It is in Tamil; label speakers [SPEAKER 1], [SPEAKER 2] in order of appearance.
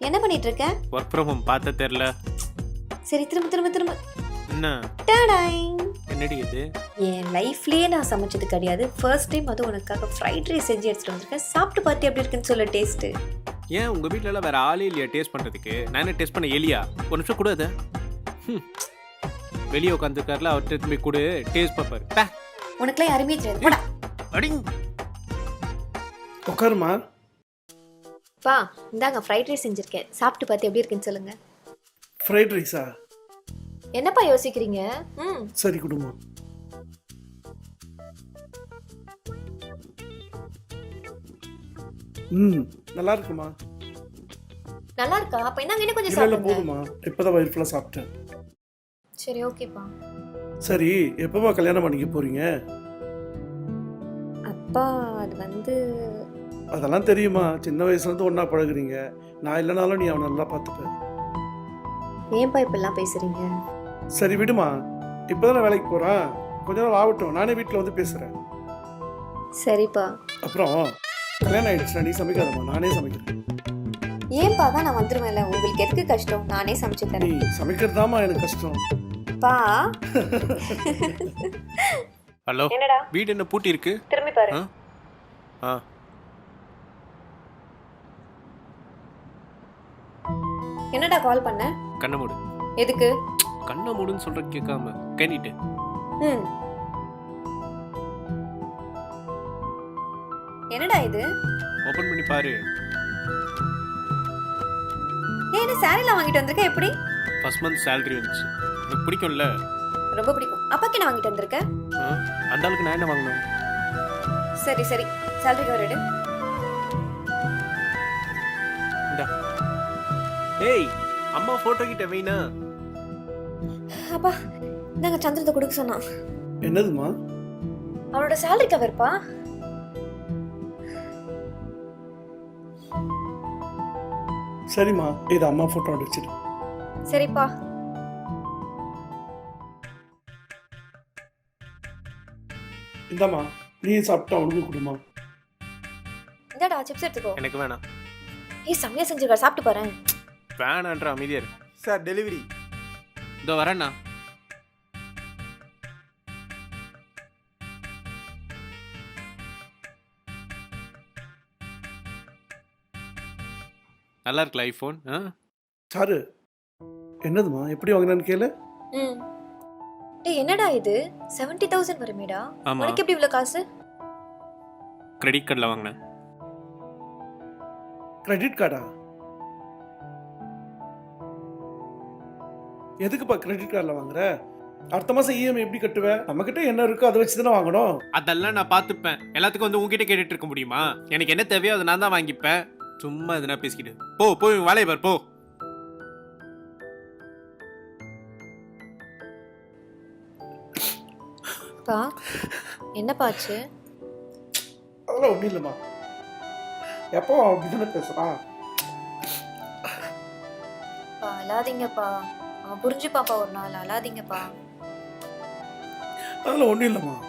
[SPEAKER 1] என்ன பண்ணிட்டு இருக்க?
[SPEAKER 2] ஒர்க் ஃப்ரம் ஹோம் பார்த்த தெரியல.
[SPEAKER 1] சரி திரும்ப திரும்ப திரும்ப.
[SPEAKER 2] என்ன
[SPEAKER 1] டடாய்.
[SPEAKER 2] என்னடி இது?
[SPEAKER 1] என் லைஃப்லயே நான் சமைச்சது கிடையாது. ஃபர்ஸ்ட் டைம் அது உனக்காக ஃப்ரைட் ரைஸ் செஞ்சு எடுத்துட்டு வந்திருக்கேன். சாப்பிட்டு பார்த்து எப்படி இருக்குன்னு சொல்ல டேஸ்ட்.
[SPEAKER 2] ஏன் உங்க வீட்ல எல்லாம் வேற ஆளே இல்லையா டேஸ்ட் பண்றதுக்கு? நானே டேஸ்ட் பண்ண எலியா? ஒரு நிமிஷம் கூட அது வெளியே உட்காந்துருக்காருல, அவர் திரும்பி கூட டேஸ்ட் பார்ப்பாரு.
[SPEAKER 1] உனக்குலாம் யாருமே தெரியாது. போடா.
[SPEAKER 2] அடிங்.
[SPEAKER 3] உட்காருமா.
[SPEAKER 1] பா இந்தாங்க ஃப்ரைட் ரைஸ் செஞ்சிருக்கேன். சாப்பிட்டு பார்த்து எப்படி இருக்குன்னு சொல்லுங்க.
[SPEAKER 3] ஃப்ரைட் ரைஸா?
[SPEAKER 1] என்னப்பா யோசிக்கிறீங்க?
[SPEAKER 3] சரி குடுமா. நல்லா இருக்குமா?
[SPEAKER 1] நல்லா இருக்கா? அப்ப இந்தாங்க இன்னும் கொஞ்சம்
[SPEAKER 3] இல்ல இல்ல
[SPEAKER 1] சாப்பிடுங்க.
[SPEAKER 3] போதுமா, இப்பதான் வயிறு ஃபுல்லா சாப்பிட்டேன்.
[SPEAKER 1] சரி ஓகேப்பா.
[SPEAKER 3] சரி எப்பமா கல்யாணம் பண்ணிக்க போறீங்க?
[SPEAKER 1] அப்பா அது வந்து
[SPEAKER 3] அதெல்லாம் தெரியுமா, சின்ன வயசுல இருந்து ஒண்ணா பழகுறீங்க. நான் இல்லைனாலும் நீ அவனை நல்லா பார்த்துப்ப.
[SPEAKER 1] ஏன்பா இப்பெல்லாம் பேசுறீங்க?
[SPEAKER 3] சரி விடுமா, இப்பதானே வேலைக்கு போறான், கொஞ்ச நாள் ஆகட்டும், நானே வீட்டில் வந்து பேசுறேன்.
[SPEAKER 1] சரிப்பா.
[SPEAKER 3] அப்புறம் கல்யாணம் ஆயிடுச்சுனா நீ சமைக்காதம்மா, நானே சமைக்கிறேன்.
[SPEAKER 1] ஏன்பா தான் நான் வந்துருவேன்ல, உங்களுக்கு எதுக்கு கஷ்டம்? நானே சமைச்சு
[SPEAKER 3] நீ
[SPEAKER 1] தரேன்.
[SPEAKER 3] சமைக்கிறதாமா எனக்கு கஷ்டம்.
[SPEAKER 1] பா
[SPEAKER 2] ஹலோ,
[SPEAKER 1] என்னடா
[SPEAKER 2] வீடு என்ன பூட்டி இருக்கு?
[SPEAKER 1] திரும்பி பாரு.
[SPEAKER 2] ஆ
[SPEAKER 1] என்னடா கால் பண்ண?
[SPEAKER 2] கண்ணை மூடு.
[SPEAKER 1] எதுக்கு?
[SPEAKER 2] கண்ணை மூடுன்னு சொல்ற கேட்காம கேட்டிட்டு.
[SPEAKER 1] ம் என்னடா இது?
[SPEAKER 2] ஓபன் பண்ணி பாரு.
[SPEAKER 1] ஏன் என்ன சாரிலாம் வாங்கிட்டு வந்திருக்க? எப்படி?
[SPEAKER 2] ஃபர்ஸ்ட் மந்த் salary வந்துச்சு. எனக்கு பிடிக்கும்ல.
[SPEAKER 1] ரொம்ப பிடிக்கும். அப்பாக்கு என்ன வாங்கிட்டு வந்திருக்க?
[SPEAKER 2] அந்த ஆளுக்கு நான் என்ன வாங்கணும்?
[SPEAKER 1] சரி சரி, salary கவர் எடு.
[SPEAKER 2] இந்தா. ஏய், அம்மா போட்டோ கிட்ட வைனா.
[SPEAKER 1] அப்பா நாங்க சந்திரத்தை கொடுக்க சொன்னான்.
[SPEAKER 3] என்னதுமா?
[SPEAKER 1] அவனோட salary கவர்ப்பா.
[SPEAKER 3] சரிம்மா, இது அம்மா போட்டோ அடிச்சிடு.
[SPEAKER 1] சரிப்பா.
[SPEAKER 3] இந்தாம்மா, நீ சாப்பிட்டா அவனுக்கு கொடுமா.
[SPEAKER 1] இந்தாடா சிப்ஸ் எடுத்துக்கோ.
[SPEAKER 2] எனக்கு வேணாம்.
[SPEAKER 1] ஏய் செம்மையா செஞ்சிருக்கா, சாப்பிட்டு பாரு.
[SPEAKER 2] வேணான்ற அமைதியா இரு.
[SPEAKER 4] Sir delivery.
[SPEAKER 2] இதோ வரேண்ணா. நல்லா இருக்குல்ல ஐஃபோன்?
[SPEAKER 3] சாரு, என்னதுமா, எப்படி வாங்கினான்னு கேளு.
[SPEAKER 1] டேய் என்னடா இது 70,000 வருமேடா.
[SPEAKER 2] ஆமா,
[SPEAKER 1] உனக்கு எப்படி இவ்வளவு காசு?
[SPEAKER 2] கிரெடிட் கார்டில் வாங்கினேன்.
[SPEAKER 3] கிரெடிட் கார்டா? எதுக்குப்பா கிரெடிட் கார்டில் வாங்குற? அடுத்த மாசம் இஎம்ஐ எப்படி கட்டுவ? நம்ம கிட்ட என்ன இருக்கோ அதை வச்சு தானே வாங்கணும்.
[SPEAKER 2] அதெல்லாம் நான் பார்த்துப்பேன். எல்லாத்துக்கும் வந்து உங்ககிட்ட கேட்டுட்டு இருக்க முடியுமா? எனக்கு என்ன தேவையோ அதை நான் தான் வாங்கிப்பேன். சும்மா எதுனா பேசிக்கிட்டு போ. போய் வேலையை பார் போ.
[SPEAKER 1] பா என்னப்பாச்சு?
[SPEAKER 3] அதெல்லாம் ஒன்றும் இல்லைம்மா, எப்போ அப்படிதானே பேசுறான்.
[SPEAKER 1] பா அழாதீங்கப்பா, அவன் புரிஞ்சுப்பாப்பா ஒரு நாள். அழாதீங்கப்பா.
[SPEAKER 3] அதெல்லாம் ஒன்றும் இல்லைம்மா.